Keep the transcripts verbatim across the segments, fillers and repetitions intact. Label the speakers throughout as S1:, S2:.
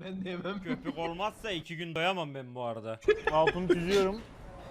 S1: ben de yemem.
S2: Köpük olmazsa iki gün doyamam ben bu arada.
S3: Altını çiziyorum.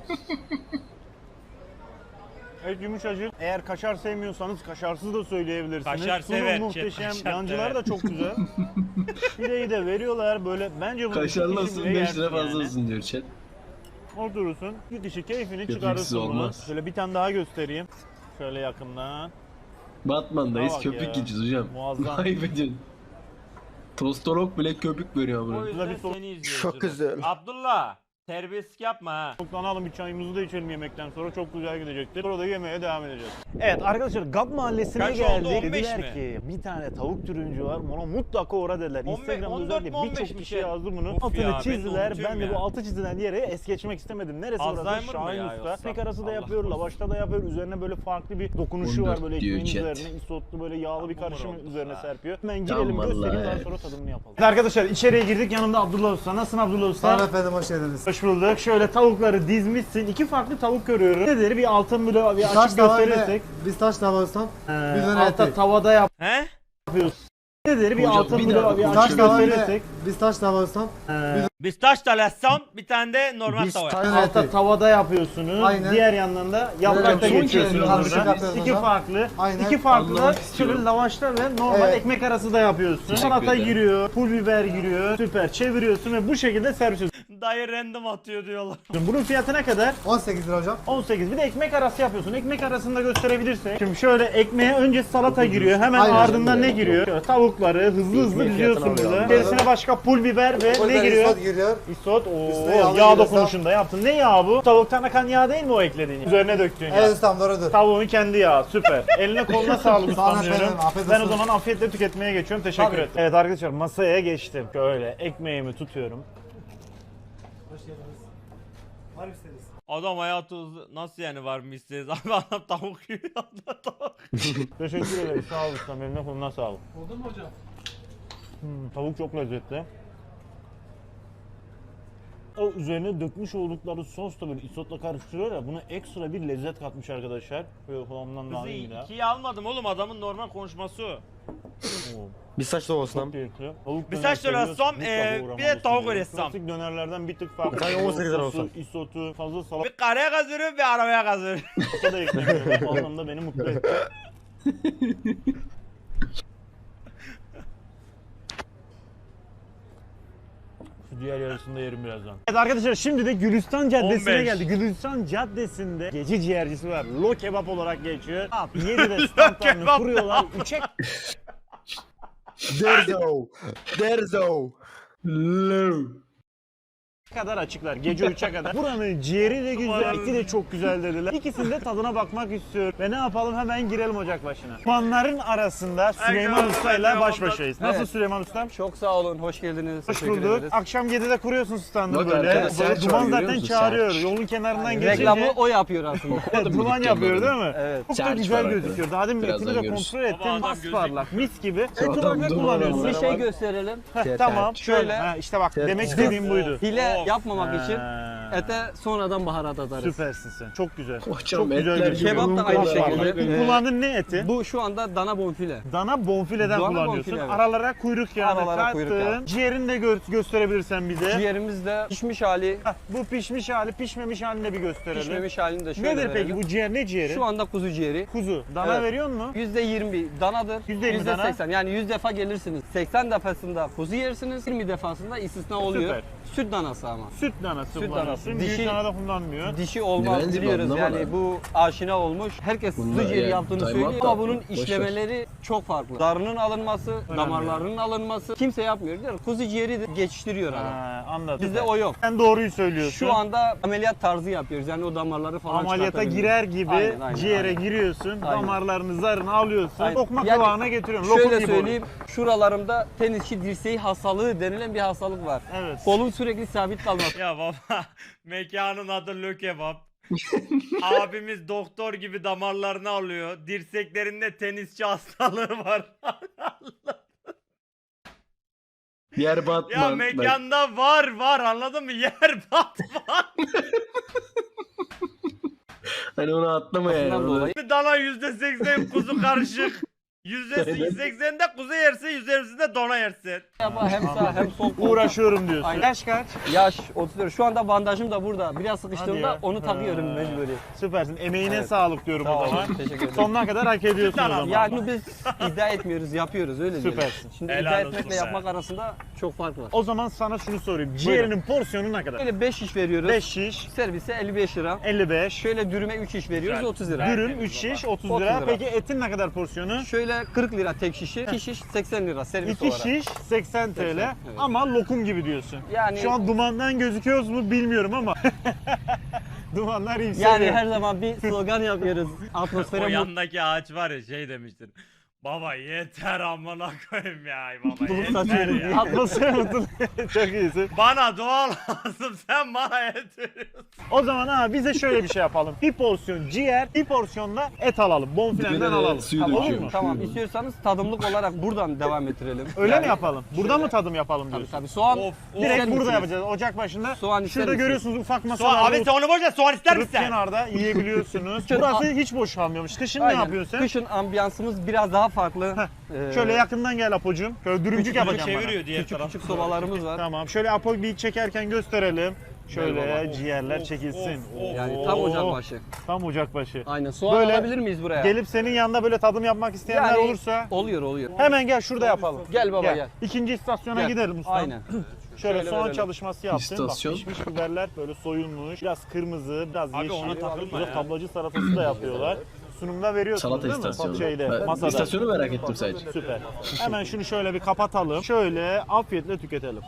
S3: Evet, yumuşacık. Eğer kaşar sevmiyorsanız kaşarsız da söyleyebilirsiniz.
S2: Kaşar
S3: Sunum
S2: sever,
S3: muhteşem.
S2: kaşar
S3: Yancılar
S2: sever.
S3: da çok güzel. Pideyi de veriyorlar böyle. Bence bunu
S1: Kaşarlı
S3: iki
S1: olsun
S3: kişi bile
S1: beş
S3: yersin
S1: lira fazla
S3: yani.
S1: olsun diyor chat.
S3: Oturursun. Bir kişi keyfini
S1: Köpüksüz
S3: çıkarırsın bunu.
S1: olmaz.
S3: Şöyle bir tane daha göstereyim. Şöyle yakından.
S1: Batman'dayız
S3: Bak
S1: köpük
S3: ya.
S1: yiyeceğiz hocam.
S3: Muazzam.
S1: Ayıp ediyorsun. Tostolog bile köpük veriyor
S2: O
S1: buraya.
S2: yüzden
S3: bir soru-
S2: seni izliyoruz.
S4: Çok güzel.
S2: Abdullah, terbiyesizlik yapma ha.
S3: Toplanalım, bir çayımızı da içelim yemekten sonra, çok güzel gidecektir. Orada yemeğe devam edeceğiz. Evet arkadaşlar, Gap Mahallesi'ne
S2: Kaç oldu,
S3: geldik.
S2: on beş
S3: Dediler
S2: mi?
S3: ki bir tane tavuk türüncü var. Ona mutlaka uğra dediler.
S2: on beş,
S3: Instagram'da
S2: on dört mi,
S3: özellikle
S2: on beş
S3: birçok
S2: mi
S3: kişi
S2: şey?
S3: yazdı bunu.
S2: Of ya,
S3: Altını
S2: ben de
S3: çizdiler.
S2: unutuyorum
S3: Ben de
S2: ya.
S3: bu altı çizilen yere es geçmek istemedim. Neresi
S2: Alzheimer
S3: orası?
S2: mı
S3: Şahin
S2: ya
S3: Usta.
S2: yoksa?
S3: Ekmek arası da
S2: Allah
S3: yapıyor,
S2: korusun.
S3: lavaşta da yapıyor. Üzerine böyle farklı bir dokunuşu
S1: on
S3: var
S1: dört
S3: böyle
S1: diyor
S3: ekmeğin
S1: chat.
S3: üzerine. Isotlu böyle yağlı bir
S2: Hamur
S3: karışım
S2: oldu
S3: üzerine
S2: ha.
S3: serpiyor. Hemen
S1: Tamam
S3: girelim, göstereyim,
S1: vallahi.
S3: daha sonra tadımını yapalım. Evet arkadaşlar, içeriye girdik. Yanımda Abdullah Usta. Nasılsın Abdullah Usta?
S4: Tamam efendim, hoş geldiniz.
S3: Hoş bulduk. Şöyle tavukları dizmişsin. İki farklı tavuk görüyorum. Nedir? Bir altın bloğu bir
S4: Taş
S3: açık
S4: tava
S3: gösterirsek.
S4: ile biz taş tava ustam.
S3: Ee,
S4: Biz öyle
S3: altta
S4: ettik.
S3: tavada yap-
S2: He?
S3: yapıyoruz. Nedir? Bir
S1: Hocam,
S3: altın
S1: bir daha
S3: bloğu bir
S1: konuşalım.
S4: Taş
S3: açık
S4: tava ile
S3: gösterirsek.
S4: biz taş tava ustam.
S3: Ee,
S2: Biz taş talasam bir tane de normal
S4: Biz
S2: tava.
S4: taş-
S3: altta
S4: ettik.
S3: tavada yapıyorsunuz.
S4: Aynen.
S3: Diğer yandan da yaprakta
S4: Böyle son
S3: geçiyorsunuz
S4: kez karışık
S3: burada.
S4: yapıyoruz
S3: İki
S4: hocam.
S3: farklı.
S4: Aynen.
S3: İki farklı da
S1: Anlamak istiyorum.
S3: şöyle lavaşta ve normal
S4: Evet.
S3: ekmek arası da yapıyorsun.
S1: Teşekkür
S3: Salata
S1: ederim.
S3: giriyor, pul biber giriyor. Süper. Çeviriyorsun ve bu şekilde servis ediyorsun.
S2: Dayı random atıyor diyorlar.
S3: Bunun fiyatı ne kadar?
S4: on sekiz lira hocam.
S3: on sekiz. Bir de ekmek arası yapıyorsun. Ekmek arasını da gösterebilirsek. Şimdi şöyle ekmeğe önce salata giriyor. Hemen
S4: Aynen.
S3: ardından ne giriyor? Şöyle tavukları hızlı hızlı diziyorsun burada. İçerisine başka pul biber ve
S4: Pul
S3: ne
S4: biber,
S3: giriyor?
S4: isot giriyor.
S3: İsot.
S4: Üstüne
S3: Oo,
S4: yağlı
S3: yağ
S4: giriyor,
S3: dokunuşunda yaptın. Ne yağı bu? Tavuktan akan yağ değil mi o eklediğin? Üzerine döktüğün yağ.
S4: Evet ustam, doğrudur.
S3: Tavuğun kendi yağı. Süper. Eline koluna sağlık
S4: Sağ olun
S3: ustam diyorum.
S4: efendim, afiyet
S3: Ben o
S4: olsun.
S3: zaman afiyetle tüketmeye geçiyorum. Teşekkür
S4: Tabii.
S3: ederim. Evet arkadaşlar, masaya geçtim. Şöyle ekmeğimi tutuyorum.
S4: Hoş geldiniz. Var mısınız?
S2: Adam hayatı uzun. Nasıl yani var mı isteriz? Abi adam tavuk yiyor. Adam tavuk.
S3: Teşekkür ederim. Sağ ol ustam. Eline koluna sağlık.
S4: Oldu mu hocam?
S3: Hmm, tavuk çok lezzetli. O üzerine dökmüş oldukları sos da böyle isotla karıştırıyor ya, buna ekstra bir lezzet katmış arkadaşlar. Böyle kulağımdan
S2: Kızı
S3: daha iyi ya.
S2: ikiye almadım oğlum, adamın normal konuşması o.
S3: Oo,
S4: Biz taş tava
S3: çok keyifli. Tavuk
S2: Bir
S3: döner
S2: saç döner
S3: seviyorsan
S2: assam,
S3: mutlaka
S2: ee, bir de
S3: uğramalısın
S2: tavuk
S3: diyorum.
S2: ressam.
S3: Klasik dönerlerden bir tık farklı.
S4: Sadece on sekiz lira
S3: Sosu,
S4: olsa.
S3: isotu, fazla salata
S2: Bir karaya kazıyorum bir arabaya kazıyorum.
S3: da eklemiyorum. Bu anlamda beni mutlu etti. Şu diğer yarısını da yerim birazdan. Evet arkadaşlar, şimdi de Gülistan Caddesi'ne
S2: on beş.
S3: geldik. Gülistan Caddesi'nde gece ciğercisi var. Lo Kebap olarak geçiyor. yedide standlarını
S2: Kebap.
S3: kuruyorlar. üçe
S4: Derzo. Derzo.
S1: Low.
S3: kadar açıklar. Gece üçe kadar. Buranın ciğeri de güzel, eti de çok güzel dediler. İkisinin de tadına bakmak istiyorum. Ve ne yapalım, hemen girelim ocak başına. Manların arasında Süleyman Usta ile baş başayız. Nasıl
S5: Evet.
S3: Süleyman Ustam?
S5: Çok sağ olun, hoş geldiniz.
S3: Hoş
S5: Teşekkür
S3: bulduk.
S5: ederiz.
S3: Akşam yedide kuruyorsun standı
S1: Bak
S3: böyle.
S1: arkadaşlar,
S3: Böyle
S1: Serç
S3: duman
S1: var, görüyor
S3: zaten
S1: musun?
S3: çağırıyor.
S1: Serç.
S3: Yolun kenarından geçince.
S5: Reklamı o yapıyor aslında.
S3: Evet, duman yapıyor değil mi?
S5: Evet.
S3: Çok da
S1: Serç
S3: güzel
S1: var
S3: gözüküyor. Daha demin
S1: Birazdan
S3: etini de
S1: görürüz.
S3: kontrol ettim.
S2: Baba adam
S3: Pasparlak, mis gibi. Et
S1: Adam
S3: olarak ne
S1: duman
S3: kullanıyorsun?
S1: var.
S5: Bir şey gösterelim.
S3: Heh, tamam.
S5: Şöyle.
S3: Ha, işte bak, demek istediğim buydu.
S5: Hile
S2: Of.
S5: yapmamak için
S3: Ha.
S5: ete sonradan baharat atarız.
S3: Süpersin sen. Çok güzel.
S1: Hocam
S3: Çok güzel
S1: etler
S3: gözüküyor.
S5: Kebap da aynı şekilde. Ee,
S3: Kullandığın ne eti?
S5: Bu şu anda dana bonfile.
S3: Dana bonfileden
S5: Dana
S3: kullanıyorsun.
S5: bonfile, evet.
S3: Aralara kuyruk yağını
S5: Aralara kuyruk
S3: kattın.
S5: yağı.
S3: Ciğerini de gö- gösterebilirsen bize.
S5: Ciğerimiz de pişmiş hali,
S3: Heh, bu pişmiş hali, pişmemiş halini de bir gösterelim.
S5: pişmemiş halini de şöyle
S3: Nedir peki
S5: verelim.
S3: bu ciğer? Ne ciğeri?
S5: Şu anda kuzu ciğeri.
S3: Kuzu. Dana
S5: Evet.
S3: veriyor mu?
S5: yüzde yirmi danadır.
S3: yüzde yirmi
S5: yüzde
S3: dana.
S5: seksen. Yani yüz defa gelirsiniz. seksen defasında kuzu yersiniz. yirmi defasında istisna oluyor.
S3: Süper.
S5: Süt danası ama.
S3: Süt danası
S5: Süt
S3: kullanıyorsun.
S5: danası.
S3: Büyük
S5: Dişi-
S3: dana da kullanmıyor.
S5: Dişi olmaz
S1: Bence
S5: biliyoruz
S1: anlamadım.
S5: yani bu aşina olmuş. Herkes
S1: Bunlar
S5: kuzu ciğeri
S1: yani
S5: yaptığını
S1: time
S5: söylüyor
S1: out
S5: ama
S1: da
S5: bunun
S1: boş ver.
S5: işlemeleri çok farklı. Darının alınması, damarlarının alınması kimse yapmıyor değil mi? Kuzu ciğeri de geçiştiriyor adam.
S3: Ha, anladım.
S5: Bizde o yok.
S3: Sen doğruyu söylüyorsun.
S5: Şu anda ameliyat tarzı yapıyoruz. Yani o damarları falan
S3: ameliyata
S5: çıkartabiliyoruz.
S3: girer gibi
S5: Aynen, aynen,
S3: ciğere
S5: aynen.
S3: giriyorsun.
S5: Aynen.
S3: Damarlarını, zarını alıyorsun.
S5: Aynen.
S3: Lokma
S5: Yani
S3: kıvamına getiriyorsun. Lokum
S5: Şöyle
S3: gibi oluyor.
S5: söyleyeyim, şuralarımda tenisçi dirseği hastalığı denilen bir hastalık var.
S3: Evet.
S5: Kolum sürekli sabit kalması.
S2: Ya baba, mekanın adı Lo Kebap. Abimiz doktor gibi damarlarını alıyor. Dirseklerinde tenisçi hastalığı var.
S1: Yer Batman.
S2: Ya
S1: Bak,
S2: mekanda var var, anladın mı? Yer Batman.
S1: hani onu atlama yani.
S5: Bundan
S1: onu-
S5: dolayı
S2: Dana yüzde seksen kuzu karışık. yüzde seksende kuzu yersin, yüzde yirmisinde dona yersin.
S5: Ama hem sağ hem sol kol.
S3: Uğraşıyorum diyorsun.
S5: Aynen.
S3: Yaş kaç?
S5: Yaş otuz dört. Şu anda bandajım da burada. Biraz
S3: Hadi
S5: sıkıştığımda
S3: ya.
S5: onu takıyorum
S3: Ha.
S5: mecburi.
S3: Süpersin. Emeğine
S5: Evet.
S3: sağlık diyorum
S5: Sağ
S3: o
S5: olun,
S3: zaman.
S5: teşekkür ederim.
S3: Sonuna kadar hak ediyorsun o
S2: Tamam.
S3: zaman.
S5: Yani bunu biz iddia etmiyoruz, yapıyoruz öyle diyelim.
S3: Süpersin.
S5: Şimdi
S2: Helal
S5: iddia
S2: olsun
S5: etmekle
S2: be.
S5: yapmak arasında çok fark var.
S3: O zaman sana şunu sorayım. Ciğerinin porsiyonu ne kadar?
S5: Böyle beş şiş veriyoruz.
S3: beş şiş,
S5: Servise elli beş lira.
S3: elli beş.
S5: Şöyle dürüme üç şiş veriyoruz
S2: Güzel.
S5: otuz lira.
S3: Dürüm üç şiş, otuz
S5: otuz
S3: lira.
S5: lira.
S3: Peki etin ne kadar porsiyonu?
S5: Şöyle kırk lira tek şişi. iki şiş seksen lira servis
S3: iki
S5: olarak.
S3: şiş seksen TL
S5: evet.
S3: ama lokum gibi diyorsun.
S5: Yani-
S3: Şu an dumandan gözüküyoruz mu bilmiyorum ama. Dumanlar yükseliyor.
S5: Yani her zaman bir slogan yapıyoruz. Atmosfere
S2: O
S5: mutlu.
S2: yandaki ağaç var ya şey demiştin. Baba yeter amına koyayım ya baba
S5: Mutluluk
S2: yeter
S5: saçıyoruz.
S2: ya.
S3: Atmosfer mutluluk. Çok iyisin.
S2: Bana dua lazım sen bana et veriyorsun.
S3: O zaman abi bize şöyle bir şey yapalım. Bir porsiyon ciğer, bir porsiyonda et alalım. Bonfilenden
S1: Dibine de
S3: alalım.
S1: suyu
S3: Tamam, olur
S1: döküyorum.
S3: mu?
S5: Tamam istiyorsanız tadımlık olarak buradan devam ettirelim.
S3: Öyle
S5: Yani-
S3: mi yapalım? Burada mı tadım yapalım
S5: Tabii
S3: diyorsun?
S5: tabii soğan.
S2: Of, of.
S3: Direkt
S5: ister
S3: burada
S5: misiniz?
S3: yapacağız. Ocak başında.
S5: Soğan ister
S3: Şurada
S5: misiniz?
S3: görüyorsunuz ufak
S2: Soğan,
S3: masalar.
S2: abi sen onu boş ver soğan ister
S3: Kırık
S2: misin?
S3: kenarda yiyebiliyorsunuz.
S5: Şöyle-
S3: Burası hiç boş kalmıyormuş. Kışın ne
S5: Aynen.
S3: yapıyorsun sen?
S5: Kışın ambiyansımız biraz daha farklı. Ee,
S3: Şöyle yakından gel Apo'cum. Şöyle dürümcük
S5: Küçük
S3: yapacağım bana.
S2: Çeviriyor diğer
S5: küçük
S2: taraf.
S5: küçük sobalarımız var.
S3: Tamam. Şöyle Apo bir çekerken gösterelim. Şöyle
S5: Eyvallah.
S3: ciğerler
S2: Of,
S3: çekilsin.
S2: of, of.
S5: Yani tam
S3: Oo,
S5: ocak başı.
S3: Tam ocak başı.
S5: Aynen. Soğan
S3: Böyle
S5: alabilir miyiz buraya?
S3: Gelip senin yanında böyle tadım yapmak isteyenler
S5: Yani-
S3: olursa
S5: Oluyor oluyor.
S3: hemen gel şurada yapalım.
S5: Gel baba gel.
S3: İkinci istasyona
S5: Gel.
S3: gidelim usta.
S5: Aynen.
S3: Şöyle,
S5: Şöyle
S3: soğan
S5: verelim.
S3: çalışması yaptım.
S1: İstasyon.
S3: Bak pişmiş biberler böyle soyulmuş. Biraz kırmızı, biraz
S2: Abi
S3: yeşil.
S2: ona takılma
S3: Burada
S2: ya.
S3: tablacı salatası da yapıyorlar. Sunumda veriyorsunuz
S1: Salata
S3: değil mi?
S1: istasyonu.
S3: Şeyde,
S1: Ben
S3: masada.
S1: istasyonu merak ettim sadece.
S3: Süper. Hemen şunu şöyle bir kapatalım. Şöyle afiyetle tüketelim.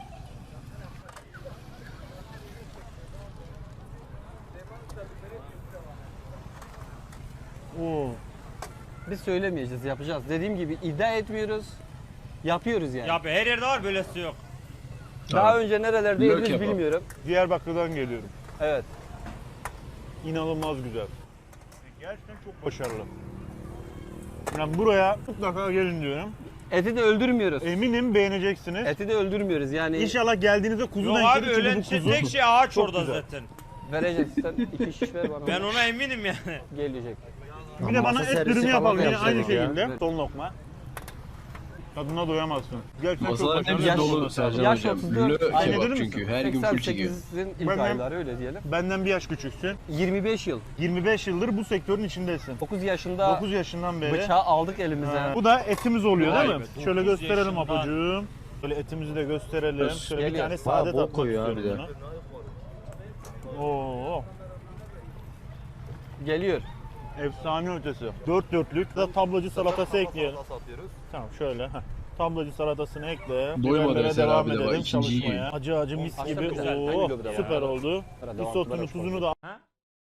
S3: Oo.
S5: Biz söylemeyeceğiz, yapacağız. Dediğim gibi iddia etmiyoruz. Yapıyoruz yani.
S2: Ya be, her yerde var böylesi yok.
S5: Daha
S1: Tabii.
S5: önce nerelerde
S1: Lök
S5: yediniz
S1: yapalım.
S5: bilmiyorum.
S3: Diyarbakır'dan geliyorum.
S5: Evet.
S3: İnanılmaz güzel. Gerçekten çok başarılı. Yani buraya mutlaka gelin diyorum.
S5: Eti de öldürmüyoruz.
S3: Eminim beğeneceksiniz.
S5: Eti de öldürmüyoruz yani.
S3: İnşallah geldiğinizde
S2: Yok
S3: kuzudan
S2: abi
S3: yedik çünkü
S2: öyle
S3: bu kuzu.
S2: tek şey ağaç
S3: Çok
S2: orada
S3: güzel.
S2: zaten.
S5: Vereceğiz. Sen iki şiş ver bana.
S2: Ben ona eminim yani.
S5: Gelecek.
S3: Bir de bana
S4: Masa
S3: et
S4: servisi
S3: dürümü
S4: falan
S3: yapalım
S4: da
S3: yine aynı
S4: yapacağız ya.
S3: şekilde.
S5: Evet.
S3: Son lokma. Tadına doyamazsın. Gerçekten çok
S1: Masaların
S3: başarılı.
S1: hepsi
S5: Yaş-
S1: dolu Sercan
S5: yaş
S1: hocam.
S5: otuz dört.
S1: Lö
S3: Aynı
S1: kebap
S3: dedim
S1: çünkü
S3: misin?
S1: her gün full çekiyor.
S5: seksen sekizin ilk
S3: Ben-
S5: ayları öyle diyelim.
S3: Benden bir yaş küçüksün.
S5: yirmi beş yıl.
S3: yirmi beş yıldır bu sektörün içindesin.
S5: dokuz yaşında
S3: dokuz yaşından beri.
S5: bıçağı aldık elimize.
S3: Ha, bu da etimiz oluyor
S2: Vay
S3: değil
S2: be,
S3: mi?
S2: dokuz
S3: Şöyle gösterelim
S2: yaşından.
S3: Apocuğum. Böyle etimizi de gösterelim.
S1: Öz.
S3: Şöyle bir
S5: Geliyor.
S3: tane sade
S4: Bayağı bol
S3: tatmak
S4: koyuyor abi
S3: istiyorum buna. Oo,
S5: Geliyor.
S3: efsane ötesi. Dört dörtlük da tablacı salatası ekleyelim. Tamam şöyle. heh. Tablacı salatasını ekle.
S1: Doymadı
S3: Biberlere
S1: Eser
S3: devam
S1: abi de bak,
S3: edelim
S1: ikinciyi
S3: çalışmaya.
S1: yiyor.
S3: Acı acı mis
S5: Aslında
S3: gibi.
S5: güzel,
S3: Oo,
S5: geliyor bir de
S3: süper
S5: ya.
S3: oldu.
S5: Sonra devam
S3: Risotunu
S5: ettiler,
S3: tuzunu da
S2: Ha?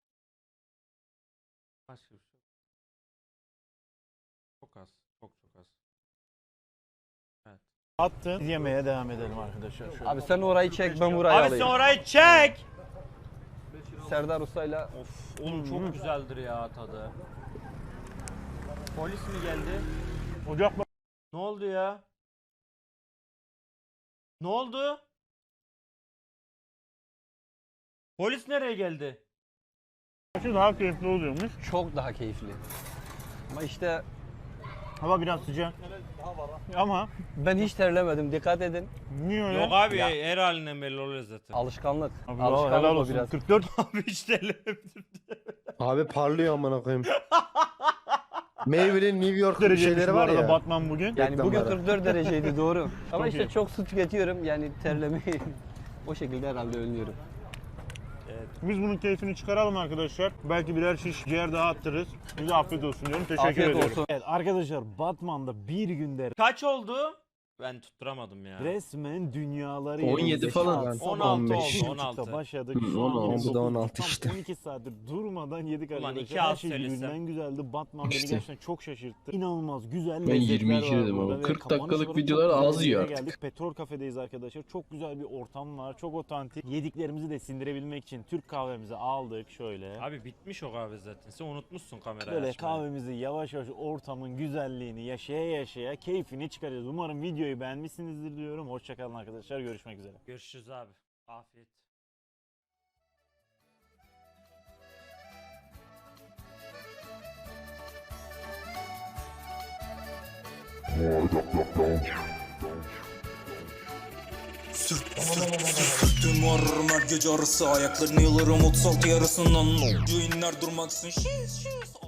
S2: Çok az. Çok çok az.
S3: attın. Yemeye devam edelim arkadaşlar. Şöyle.
S5: Abi sen orayı çek ben burayı
S2: Abi
S5: alayım.
S2: sen orayı çek.
S5: Serdar Usta'yla
S2: Of oğlum çok güzeldir ya tadı. Polis mi geldi?
S3: Ocak
S2: Ne oldu ya? Ne oldu? Polis nereye geldi?
S3: başı daha keyifli oluyormuş.
S5: çok daha keyifli. Ama işte
S3: Hava biraz sıcak. Ama
S5: ben hiç terlemedim dikkat edin.
S3: niye öyle?
S2: Yok abi her halinden belli oluyor zaten.
S5: Alışkanlık.
S3: Abi,
S5: Alışkanlık
S3: helal
S5: o
S3: olsun.
S5: biraz.
S3: kırk dört
S2: Abi hiç terlemedim.
S4: Abi parlıyor amına koyayım. Maybelline New York
S3: dereceymiş
S4: şeyleri
S3: bu
S4: var
S3: arada
S4: ya.
S3: Batman bugün.
S5: Yani bugün
S4: Reklamlara.
S5: kırk dört dereceydi doğru. Ama
S3: Çok
S5: işte
S3: iyi.
S5: çok su tüketiyorum yani terlemeyi o şekilde herhalde önlüyorum.
S3: Biz bunun keyfini çıkaralım arkadaşlar. Belki birer şiş ciğer daha attırırız. Bize afiyet olsun diyorum. Teşekkür
S5: Afiyet
S3: ediyorum.
S5: olsun.
S3: Evet arkadaşlar Batman'da bir günde
S2: Kaç oldu? Ben tutturamadım ya.
S3: resmen dünyaları
S1: on yedi
S3: yenildi.
S1: falan.
S3: Saat sabah
S2: on altı
S3: beş
S2: oldu,
S3: buçukta
S2: on altı.
S3: başladık.
S1: Hı,
S3: Şu an
S1: on altı.
S3: yine
S4: Bu da on altı
S3: dokuz, tam
S4: işte.
S3: on iki saattir durmadan yedik
S2: Ulan
S3: arkadaşlar.
S2: iki
S3: Her
S2: az
S3: şey
S2: söylesem.
S3: birbirinden güzeldi. Batman
S1: İşte.
S3: beni gerçekten çok şaşırttı. İnanılmaz güzel
S1: Ben
S3: lezzetler
S1: yirmi iki
S3: var
S1: dedim
S3: burada
S1: ama
S3: ve
S1: kırk
S3: kapanış
S1: dakikalık
S3: olarak
S1: videolar
S3: çok güzel
S1: az
S3: bir
S1: yiyor
S3: yere
S1: artık.
S3: geldik. Petrol Kafe'deyiz arkadaşlar. Çok güzel bir ortam var. Çok otantik. Yediklerimizi de sindirebilmek için Türk kahvemizi aldık şöyle.
S2: Abi bitmiş o kahve zaten. Sen unutmuşsun kamerayı
S3: Böyle
S2: açmayı.
S3: kahvemizi yavaş yavaş ortamın güzelliğini yaşaya yaşaya keyfini çıkaracağız. Umarım videoyu beğenmişsinizdir diyorum. Hoşçakalın arkadaşlar. Görüşmek üzere.
S2: Görüşürüz abi. Afiyet.
S6: Sürt, sürt, sürttüm varırım her gece arası. Ayaklarını yalarım otuz altı yarısından. Joinler durmaksın. Şiş şiş.